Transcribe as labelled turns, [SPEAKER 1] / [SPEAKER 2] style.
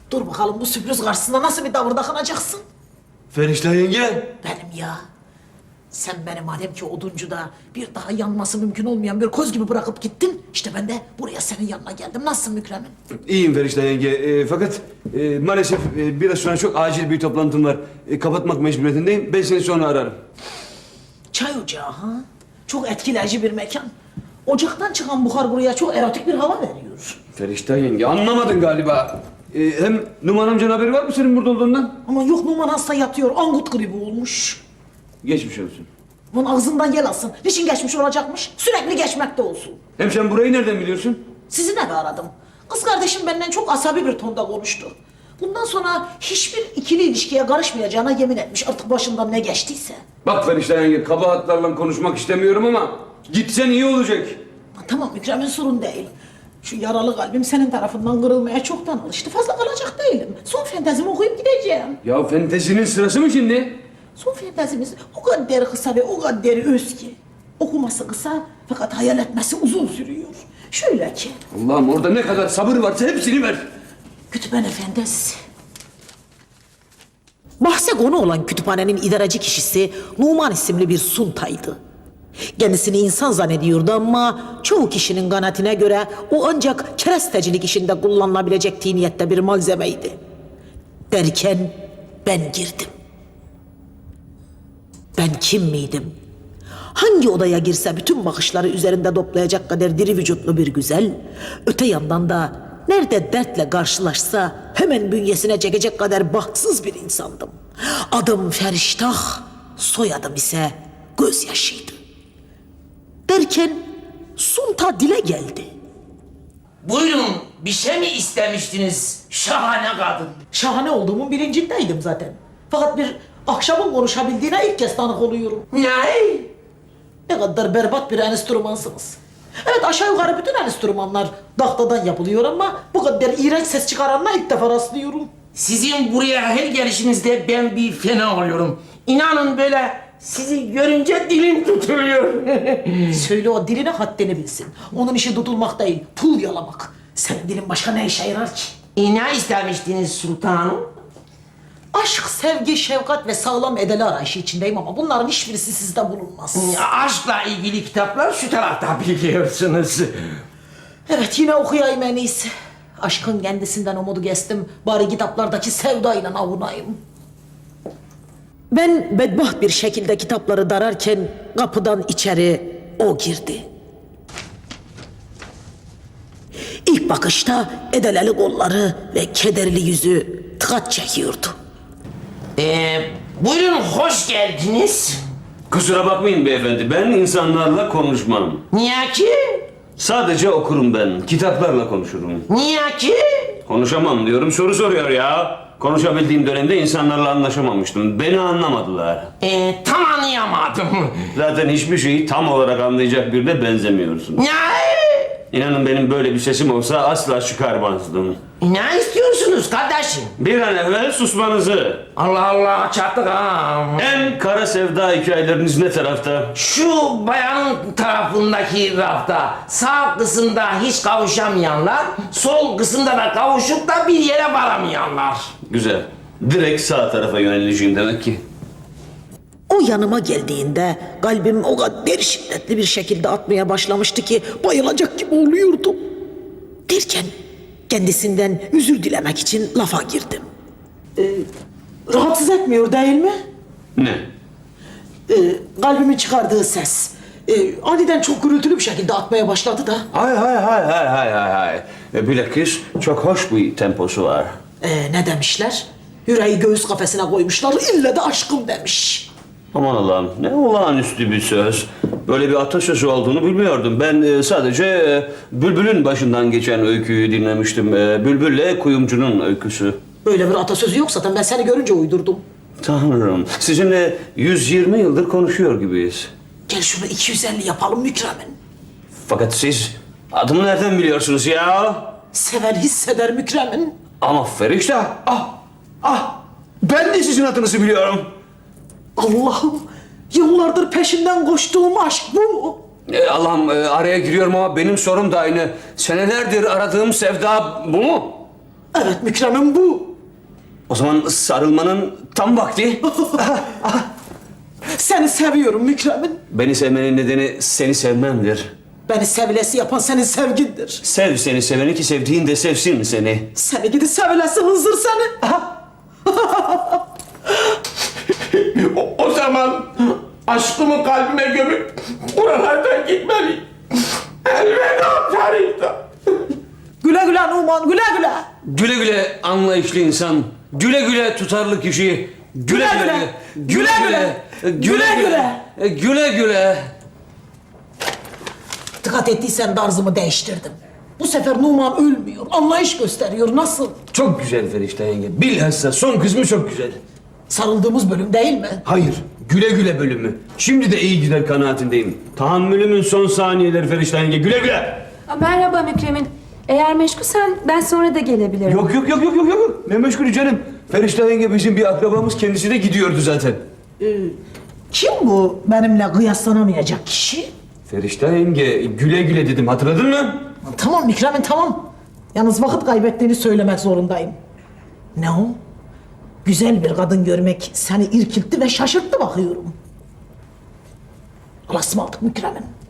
[SPEAKER 1] Dur bakalım bu sürpriz karşısında nasıl bir tavır takınacaksın?
[SPEAKER 2] Feriştah yenge.
[SPEAKER 1] Benim ya. Sen beni madem ki oduncuda bir daha yanması mümkün olmayan bir koz gibi bırakıp gittin. İşte ben de buraya senin yanına geldim. Nasılsın Mükremin?
[SPEAKER 2] İyiyim Feriştah yenge. Fakat maalesef biraz sonra çok acil bir toplantım var. Kapatmak mecburiyetindeyim. Ben seni sonra ararım.
[SPEAKER 1] Çay ocağı ha? Çok etkileyici bir mekan. Ocaktan çıkan buhar buraya çok erotik bir hava veriyor.
[SPEAKER 2] Feriştah yenge anlamadın galiba. Hem Numan amcanın haberi var mı senin burada olduğundan?
[SPEAKER 1] Ama yok Numan hasta yatıyor. Angut gribi olmuş.
[SPEAKER 2] Geçmiş olsun.
[SPEAKER 1] Bunun ağzından yel alsın. Niçin geçmiş olacakmış? Sürekli geçmekte olsun.
[SPEAKER 2] Hem sen burayı nereden biliyorsun?
[SPEAKER 1] Sizi de aradım. Kız kardeşim benden çok asabi bir tonda konuştu. Bundan sonra hiçbir ikili ilişkiye karışmayacağına yemin etmiş. Artık başından ne geçtiyse.
[SPEAKER 2] Bak Feriştah yenge kabahatlarla konuşmak istemiyorum ama gitsen iyi olacak.
[SPEAKER 1] Tamam Mükremin sorun değil. Şu yaralı kalbim senin tarafından kırılmaya çoktan alıştı. Fazla kalacak değilim. Son fantezimi okuyup gideceğim.
[SPEAKER 2] Ya fantezinin sırası mı şimdi?
[SPEAKER 1] Son fantezimiz o kadar kısa ve o kadar öz ki. Okuması kısa fakat hayal etmesi uzun sürüyor. Şöyle ki,
[SPEAKER 2] Allah'ım orada ne kadar sabır varsa hepsini ver.
[SPEAKER 1] kütüphane fantezisi. Bahse konu olan kütüphanenin idareci kişisi Numan isimli bir suntaydı. Kendisini insan zannediyordu ama çoğu kişinin kanaatine göre o ancak kerestecilik işinde kullanılabilecek tiniyette bir malzemeydi. Derken ben girdim. Ben kim miydim? Hangi odaya girse bütün bakışları üzerinde toplayacak kadar diri vücutlu bir güzel, öte yandan da nerede dertle karşılaşsa hemen bünyesine çekecek kadar bahtsız bir insandım. Adım Feriştah, soyadım ise gözyaşıydı. Derken Sunta dile geldi.
[SPEAKER 3] Buyurun, bir şey mi istemiştiniz? Şahane kadın.
[SPEAKER 1] Şahane olduğumun bilincindeydim zaten. Fakat bir akşamın konuşabildiğine ilk kez tanık oluyorum.
[SPEAKER 3] Ne?
[SPEAKER 1] Ne kadar berbat bir enstrümansınız. Evet aşağı yukarı bütün enstrümanlar tahtadan yapılıyor ama bu kadar iğrenç ses çıkaranla ilk defa rastlıyorum.
[SPEAKER 3] Sizin buraya her gelişinizde ben bir fena oluyorum. İnanın böyle sizi görünce dilim tutuluyor.
[SPEAKER 1] Söyle o diline haddini bilsin. Onun işi tutulmak değil, pul yalamak. Senin dilin başka ne işe yarar ki?
[SPEAKER 3] Ne istemiştiniz sultanım?
[SPEAKER 1] Aşk, sevgi, şefkat ve sağlam edeli arayışı içindeyim ama bunların hiçbirisi sizde bulunmaz.
[SPEAKER 3] Aşkla ilgili kitaplar şu tarafta biliyorsunuz.
[SPEAKER 1] Evet yine okuyayım en iyisi. Aşkın kendisinden umudu kestim. Bari kitaplardaki sevdayla avunayım. Ben bedbaht bir şekilde kitapları dararken kapıdan içeri o girdi. İlk bakışta edeleli kolları ve kederli yüzü tıkat çekiyordu.
[SPEAKER 3] Buyurun hoş geldiniz.
[SPEAKER 2] Kusura bakmayın beyefendi, ben insanlarla konuşmam.
[SPEAKER 3] Niye ki?
[SPEAKER 2] Sadece okurum ben, kitaplarla konuşurum.
[SPEAKER 3] Niye ki?
[SPEAKER 2] Konuşamam diyorum, soru soruyor ya. Konuşabildiğim dönemde insanlarla anlaşamamıştım. Beni anlamadılar.
[SPEAKER 3] Tam anlayamadım.
[SPEAKER 2] Zaten hiçbir şeyi tam olarak anlayacak birine benzemiyorsun.
[SPEAKER 3] Ne?
[SPEAKER 2] İnanın benim böyle bir sesim olsa asla çıkarmazdım.
[SPEAKER 3] Ne istiyorsunuz kardeşim?
[SPEAKER 2] Bir an evvel susmanızı.
[SPEAKER 3] Allah Allah çattık ha.
[SPEAKER 2] En kara sevda hikayeleriniz ne tarafta?
[SPEAKER 3] Şu bayanın tarafındaki rafta sağ kısımda hiç kavuşamayanlar, sol kısımda da kavuşup da bir yere varamayanlar.
[SPEAKER 2] Güzel. Direkt sağ tarafa yöneleceğim demek ki.
[SPEAKER 1] O yanıma geldiğinde kalbim o kadar şiddetli bir şekilde atmaya başlamıştı ki bayılacak gibi oluyordum. Derken kendisinden özür dilemek için lafa girdim. Rahatsız etmiyor değil mi?
[SPEAKER 2] Ne?
[SPEAKER 1] Kalbimin çıkardığı ses. Aniden çok gürültülü bir şekilde atmaya başladı da.
[SPEAKER 2] Hay. Bilakis çok hoş bir temposu var.
[SPEAKER 1] Ne demişler? Yüreği göğüs kafesine koymuşlar, ille de aşkım demiş.
[SPEAKER 2] Aman Allah'ım ne olağanüstü bir söz. Böyle bir atasözü olduğunu bilmiyordum. Ben sadece Bülbül'ün başından geçen öyküyü dinlemiştim. Bülbül'le kuyumcunun öyküsü.
[SPEAKER 1] Böyle bir atasözü yok zaten, ben seni görünce uydurdum.
[SPEAKER 2] Tanrım, sizinle 120 yıldır konuşuyor gibiyiz.
[SPEAKER 1] Gel şunu 250 yapalım Mükremin.
[SPEAKER 2] Fakat siz adımı nereden biliyorsunuz ya?
[SPEAKER 1] Seven hisseder Mükremin.
[SPEAKER 2] Ama Feriştah, ben de sizin adınızı biliyorum.
[SPEAKER 1] Allah'ım, yıllardır peşinden koştuğum aşk bu mu?
[SPEAKER 2] Allah'ım araya giriyorum ama benim sorum da aynı. Senelerdir aradığım sevda bu mu?
[SPEAKER 1] Evet Mükrem'im bu.
[SPEAKER 2] O zaman sarılmanın tam vakti.
[SPEAKER 1] Seni seviyorum Mükrem'im.
[SPEAKER 2] Beni sevmenin nedeni seni sevmemdir.
[SPEAKER 1] Beni sevilesi yapan senin sevgindir.
[SPEAKER 2] Sev seni seveni ki sevdiğin de sevsin seni.
[SPEAKER 1] Seni gidi sevilesi hınzır seni.
[SPEAKER 3] O zaman aşkımı kalbime gömüp buralardan gitmeliyim. Elveda Tarık'ta.
[SPEAKER 1] Güle güle Numan, güle güle.
[SPEAKER 2] Güle güle anlayışlı insan. Güle güle tutarlı kişi. Güle güle. Güle güle. Güle güle. Güle güle.
[SPEAKER 1] Dikkat ettiysen tarzımı değiştirdim. Bu sefer Numan ölmüyor, anlayış gösteriyor. Nasıl?
[SPEAKER 2] Çok güzel Ferişte yenge. Bilhassa son kısmı çok güzel.
[SPEAKER 1] Sarıldığımız bölüm değil mi?
[SPEAKER 2] Hayır. Güle güle bölümü. Şimdi de iyi gider kanaatindeyim. Tahammülümün son saniyeleri Ferişte yenge. Güle güle.
[SPEAKER 4] Merhaba Mükremin. Eğer meşgulsen ben sonra da gelebilirim.
[SPEAKER 2] Yok. Ne meşgulü canım. Ferişte yenge bizim bir akrabamız, kendisi de gidiyordu zaten.
[SPEAKER 1] Kim bu benimle kıyaslanamayacak kişi?
[SPEAKER 2] Ferişte yenge güle güle dedim, hatırladın mı?
[SPEAKER 1] Tamam Mükremin tamam. Yalnız vakit kaybettiğini söylemek zorundayım. Ne o? Güzel bir kadın görmek seni irkiltti ve şaşırttı bakıyorum. Allah'a ısmarladık Mükremin.